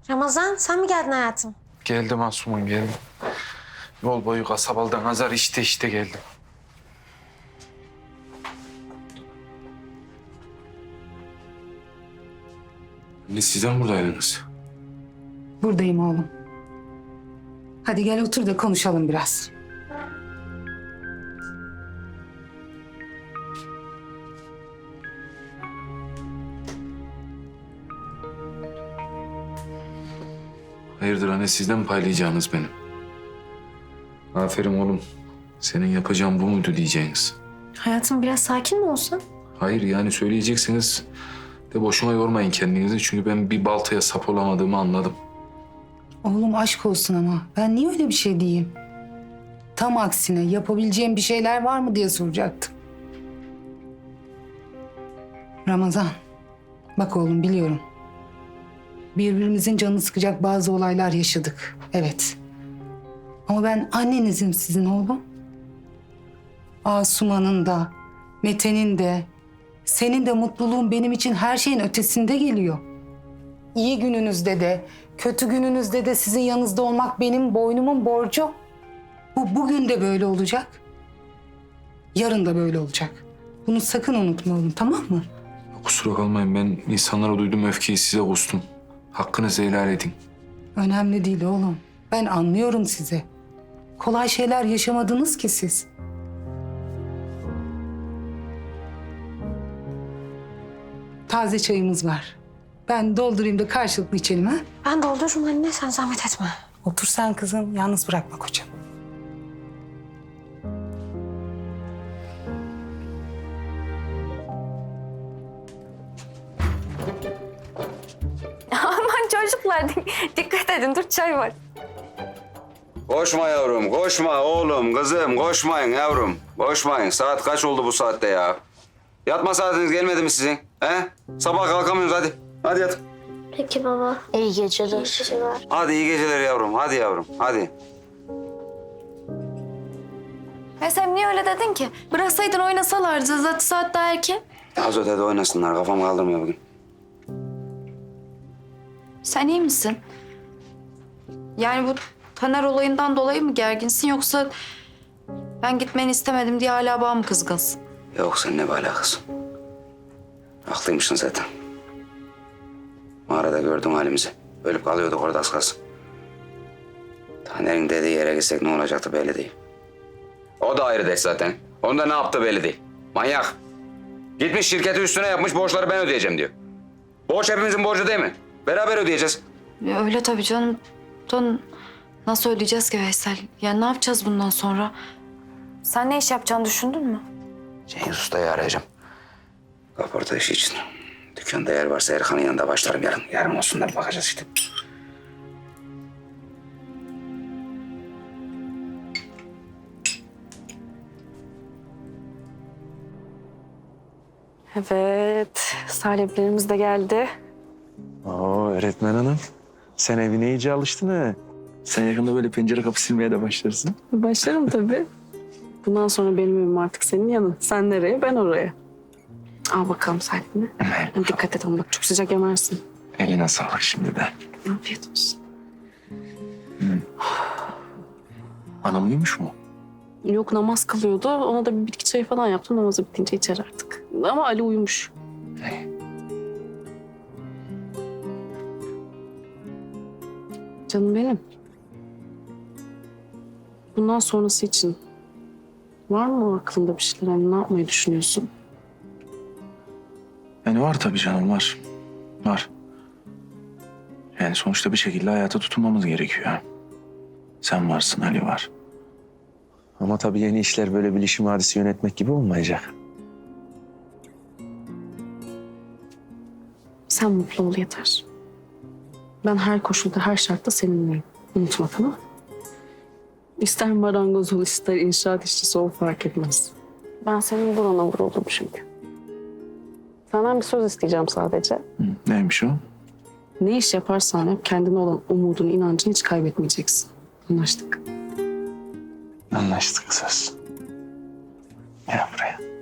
Ramazan sen mi geldin hayatım? Geldim Asuman, geldim. Yol boyu kasabalıdan azar işte geldim. Anne siz de mi buradaydınız? Buradayım oğlum. Hadi gel otur da konuşalım biraz. Hayırdır anne, sizden mi paylayacağınız benim? Aferin oğlum. Senin yapacağın bu muydu diyeceğiniz? Hayatım biraz sakin mi olsun? Hayır yani söyleyeceksiniz de boşuna yormayın kendinizi. Çünkü ben bir baltaya sap olamadığımı anladım. Oğlum aşk olsun ama ben niye öyle bir şey diyeyim? Tam aksine yapabileceğim bir şeyler var mı diye soracaktım. Ramazan, bak oğlum biliyorum. Birbirimizin canını sıkacak bazı olaylar yaşadık. Evet. Ama ben annenizim sizin oğlum. Asuman'ın da, Mete'nin de, senin de mutluluğun benim için her şeyin ötesinde geliyor. İyi gününüzde de, kötü gününüzde de sizin yanınızda olmak benim boynumun borcu. Bu bugün de böyle olacak. Yarın da böyle olacak. Bunu sakın unutma oğlum, tamam mı? Kusura kalmayın, ben insanlara duyduğum öfkeyi size kustum. Hakkınızı helal edin. Önemli değil oğlum. Ben anlıyorum sizi. Kolay şeyler yaşamadınız ki siz. Taze çayımız var. Ben doldurayım da karşılıklı içelim ha. Ben doldururum anne sen zahmet etme. Otur sen kızım. Yalnız bırakma kocam. Aman çocuklar dikkat edin dur çay var. Koşma yavrum, koşma oğlum, kızım. Koşmayın yavrum, koşmayın. Saat kaç oldu bu saatte ya? Yatma saatiniz gelmedi mi sizin? He? Sabah kalkamıyorsunuz hadi. Hadi yat. Peki baba. İyi geceler. İyi geceler. Hadi iyi geceler yavrum, hadi yavrum, hadi. Sen niye öyle dedin ki? Bıraksaydın oynasalardı zaten saat daha erken. Az ötede oynasınlar, kafam kaldırmıyor bugün. Sen iyi misin? Yani bu Taner olayından dolayı mı gerginsin yoksa ben gitmeni istemedim diye hala bana mı kızgınsın? Yok seninle bir alakası. Haklıymışsın zaten. Mağarada gördüm halimizi. Ölüp kalıyorduk orada az kalsın. Taner'in dediği yere gitsek ne olacaktı belli değil. O da ayrı dert zaten. Onun da ne yaptı belli değil. Manyak. Gitmiş şirketi üstüne yapmış, borçları ben ödeyeceğim diyor. Borç hepimizin borcu değil mi? Beraber ödeyeceğiz. Ya öyle tabii canım. Nasıl ödeyeceğiz ki Veysel? Yani ne yapacağız bundan sonra? Sen ne iş yapacağını düşündün mü? Cengiz Usta'yı arayacağım. Kaporta işi için. Dükkanda yer varsa Erkan'ın yanında başlarım yarın. Yarın olsunlar bakacağız işte. Evet saliplerimiz de geldi. Oo öğretmen hanım. Sen evine iyice alıştın ha. Sen yakında böyle pencere kapı silmeye de başlarsın. Başlarım tabii. Bundan sonra benim evim artık senin yanın. Sen nereye, ben oraya. Al bakalım Salim'le. Dikkat et ama bak çok sıcak yemersin. Eline sağlık şimdi de. Afiyet olsun. Anam uyumuş mu? Yok namaz kılıyordu. Ona da bir bitki çayı falan yaptım. Namazı bitince içer artık. Ama Ali uyumuş. Canım benim. Bundan sonrası için var mı aklında bir şeyler? Hani ne yapmayı düşünüyorsun? Yani var tabii canım var. Var. Yani sonuçta bir şekilde hayata tutunmamız gerekiyor. Sen varsın, Ali var. Ama tabii yeni işler böyle bilişim hadisi yönetmek gibi olmayacak. Sen mutlu ol yeter. Ben her koşulda, her şartta seninleyim. Unutma tamam mı? İster marangoz ol, ister inşaat işçisi ol fark etmez. Ben senin burana vuruldum çünkü. Senden bir söz isteyeceğim sadece. Hı, neymiş o? Ne iş yaparsan yap kendine olan umudunu, inancını hiç kaybetmeyeceksin. Anlaştık. Anlaştık söz. Gel buraya.